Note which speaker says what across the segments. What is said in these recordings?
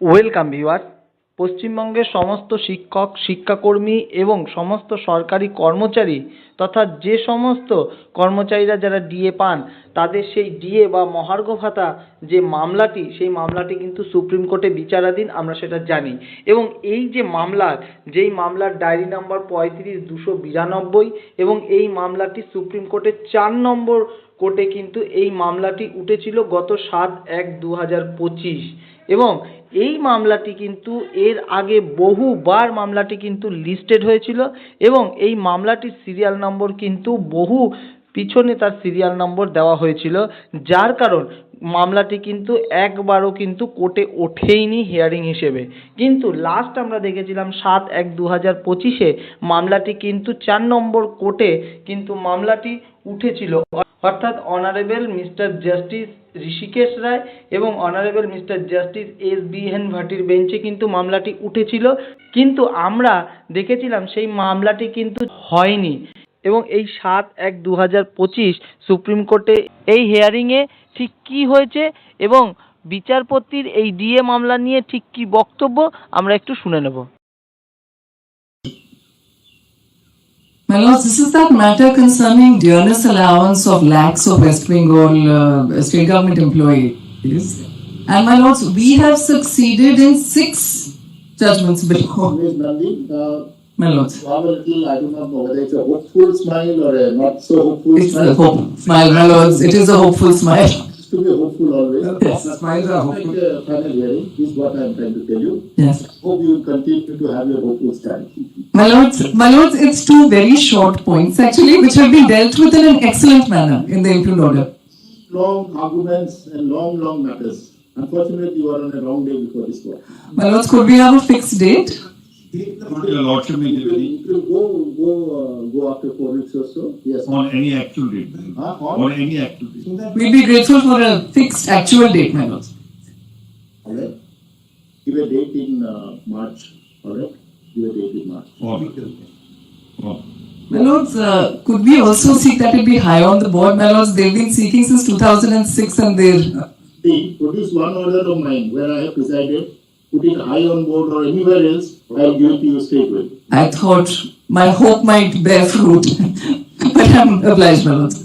Speaker 1: Welcome viewer. পশ্চিমবঙ্গের সমস্ত শিক্ষক, শিক্ষাকর্মী এবং সমস্ত সরকারি কর্মচারী তথা যে সমস্ত কর্মচারীরা যারা ডিএ পান তাদের সেই ডিএ বা মহার্ঘ ভাতা যে মামলাটি, সেই মামলাটি কিন্তু সুপ্রিম কোর্টে বিচারাধীন, আমরা সেটা জানি। এবং এই যে যেই মামলার ডায়েরি নাম্বার 35-292 এবং এই মামলাটি সুপ্রিম কোর্টের 4 নম্বর কোর্টে কিন্তু এই মামলাটি উঠেছিল গত 7/1/2025 এবং এই মামলাটি কিন্তু এর আগে বহুবার মামলাটি কিন্তু লিস্টেড হয়েছিল এবং এই মামলাটির সিরিয়াল নম্বর কিন্তু বহু পিছনে তার সিরিয়াল নম্বর দেওয়া হয়েছিল, যার কারণ মামলাটি কিন্তু একবারও কিন্তু কোর্টে ওঠেইনি হিয়ারিং হিসেবে। কিন্তু লাস্ট আমরা দেখেছিলাম 7/1/2025 মামলাটি কিন্তু 4 নম্বর কোর্টে কিন্তু মামলাটি উঠেছিল, অর্থাৎ honourable mister justice Hrishikesh Roy এবং অনারেবল মিস্টার জাস্টিস SBN ভাটির বেঞ্চে কিন্তু মামলাটি উঠেছিল। কিন্তু আমরা দেখেছিলাম সেই মামলাটি কিন্তু হয়নি এবং এই 7/1/2025 সুপ্রিম কোর্টে এই হিয়ারিংয়ে ঠিক কী হয়েছে এবং বিচারপতির এই ডিএ মামলা নিয়ে ঠিক কী বক্তব্য আমরা একটু শুনে নেব।
Speaker 2: My lords, this is that matter concerning dearness allowance of lakhs of West Bengal state government employees. And my lords, we have succeeded in 6 judgments before. My lords,
Speaker 3: I do not know whether it's a hopeful smile or a not so hopeful
Speaker 2: it's
Speaker 3: smile.
Speaker 2: a hope smile, my lords. It is a hopeful smile.
Speaker 3: It's to be hopeful always.
Speaker 2: Yes.
Speaker 3: Smiles are hopeful. Final hearing is what I am trying to tell you.
Speaker 2: Yes.
Speaker 3: Hope you will continue to have your hopeful stand.
Speaker 2: My lords, it's 2 very short points actually, which have been dealt with in an excellent manner in the impugned order.
Speaker 3: Long arguments and long matters. Unfortunately, you are on a wrong day before this court.
Speaker 2: My lords, could we have a fixed date?
Speaker 4: Your lordship may give any
Speaker 3: It will go after 4 weeks or so. Yes.
Speaker 4: on any actual date. On any actual date.
Speaker 2: We'd be grateful for a fixed actual date, my lords.
Speaker 3: Alright. Give a date in March. Alright. Give a date in March.
Speaker 4: Oh.
Speaker 2: My lords, could we also seek that it be high on the board? My lords, they've been seeking since 2006 and they're...
Speaker 3: See, produce one order of mine where I have presided, put it high on board or anywhere else, I'll give it to you straight away.
Speaker 2: I thought my hope might bear fruit, but I'm obliged, my lords.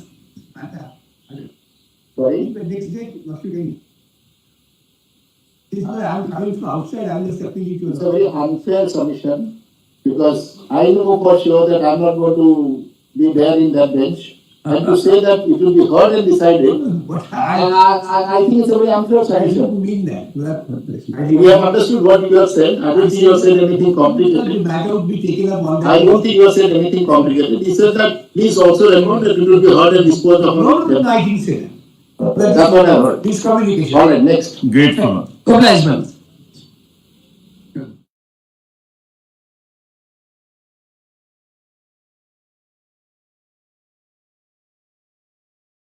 Speaker 3: Sorry?
Speaker 5: The next day must be ready. This is why I'm coming from outside, I'm just appealing to
Speaker 3: It's a very unfair submission because I know for sure that I'm not going to be there in that bench. And to say that it will be heard and decided,
Speaker 5: But
Speaker 3: I think it's a very unfair
Speaker 5: I
Speaker 3: submission.
Speaker 5: don't mean that.
Speaker 3: We have understood what you have said. I don't think you have said anything
Speaker 5: The
Speaker 3: complicated.
Speaker 5: matter would be taken up on
Speaker 3: I don't think you have said anything complicated. He said that please also remember that it will be heard and disposed of.
Speaker 5: No, I didn't say that.
Speaker 3: That's what I heard.
Speaker 5: This communication.
Speaker 3: All right, next.
Speaker 4: Grateful.
Speaker 2: Obliged, my lords.